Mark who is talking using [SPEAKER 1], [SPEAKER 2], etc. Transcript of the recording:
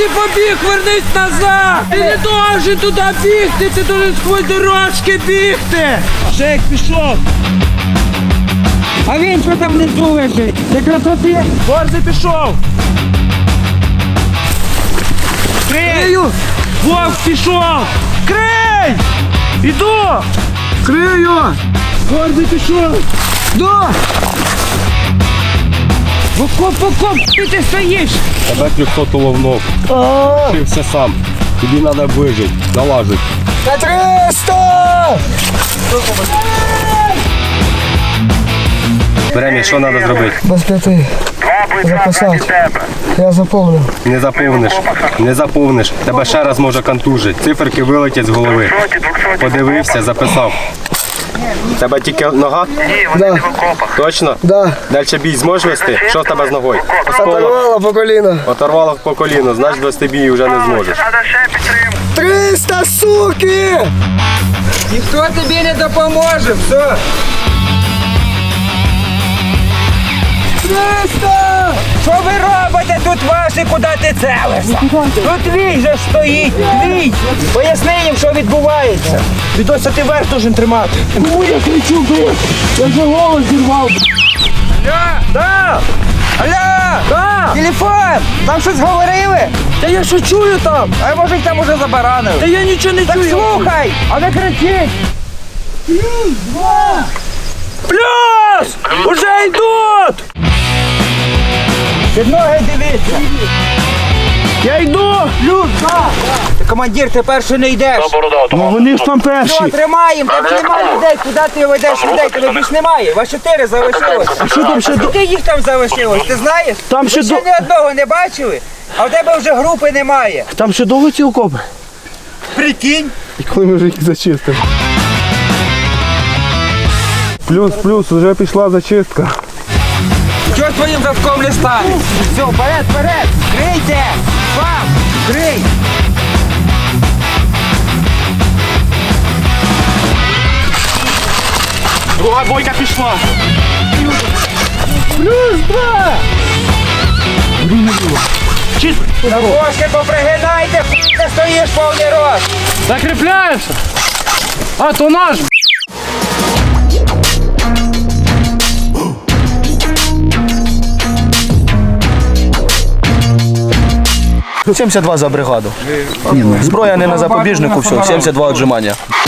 [SPEAKER 1] ти побіг? Вернись назад! Ти не должен туди бігти, ти должен сквозь дорожки бігти! Жек, пішов! А він що там внизу лежить? Це красоти! Борзий пішов! Крию! Вовк пішов! Крий! Іду! Крию! Борзий пішов! До! В окоп, ти стоїш!
[SPEAKER 2] Тебе 300 уловнув. Вчився сам. Тобі треба вижити, налажити.
[SPEAKER 3] На 300!
[SPEAKER 2] Время, що треба зробити?
[SPEAKER 3] Без 5. Записати. Я заповню.
[SPEAKER 2] Не заповниш. Тебе ще раз може контужити. Циферки вилетять з голови. Подивився, записав. Тебе тільки нога?
[SPEAKER 3] Да.
[SPEAKER 2] Точно?
[SPEAKER 3] Да.
[SPEAKER 2] Дальше бій зможеш вести? Що в тебе з ногою?
[SPEAKER 3] Оторвало по коліна.
[SPEAKER 2] Оторвало по коліну, значить вести бій вже не зможеш.
[SPEAKER 3] 300, суки!
[SPEAKER 1] Ніхто тобі не допоможе, все!
[SPEAKER 3] 300!
[SPEAKER 1] Що ви робите тут ваші, куди ти целишся? Тут твій же стоїть, твій! Поясни їм, що відбувається. Відося ти верх должен тримати.
[SPEAKER 3] Кому я кричу, блядь? Я вже голос зірвав.
[SPEAKER 1] Да! Алло! Да! Телефон! Там щось говорили? Та я що чую там? А може їх там уже забаранили? Та я нічого не чую. Так слухай! А не кричіть! Плюс! Уже йдуть! Під ноги дивіться! Я йду! Плюс, да! Ти, командир, ти перший не йдеш!
[SPEAKER 3] Ну вони ж там перші.
[SPEAKER 1] Все, тримаємо, тебе немає людей, куди ти ведеш людей, тебе більш немає, вас 4 залишилось. А що там ще? Скільки їх там залишилось, ти знаєш?
[SPEAKER 3] Там ще
[SPEAKER 1] Ви ще ні одного не бачили, а в тебе вже групи немає.
[SPEAKER 3] Там ще довго ці окопи?
[SPEAKER 1] Прикинь.
[SPEAKER 3] І коли ми вже їх зачистимо? Плюс, вже пішла зачистка.
[SPEAKER 1] Чого твоїм завком не стане? Все, вперед, вперед, крийте! Вам, крий!
[SPEAKER 3] Друга бойка пішла. Плюс 2!
[SPEAKER 1] Ножки попригинайте, ти стоїш повний рост.
[SPEAKER 3] Закріпляєшся? А, то наш. 72 за бригаду. Зброя не на запобіжнику, все, 72 віджимання.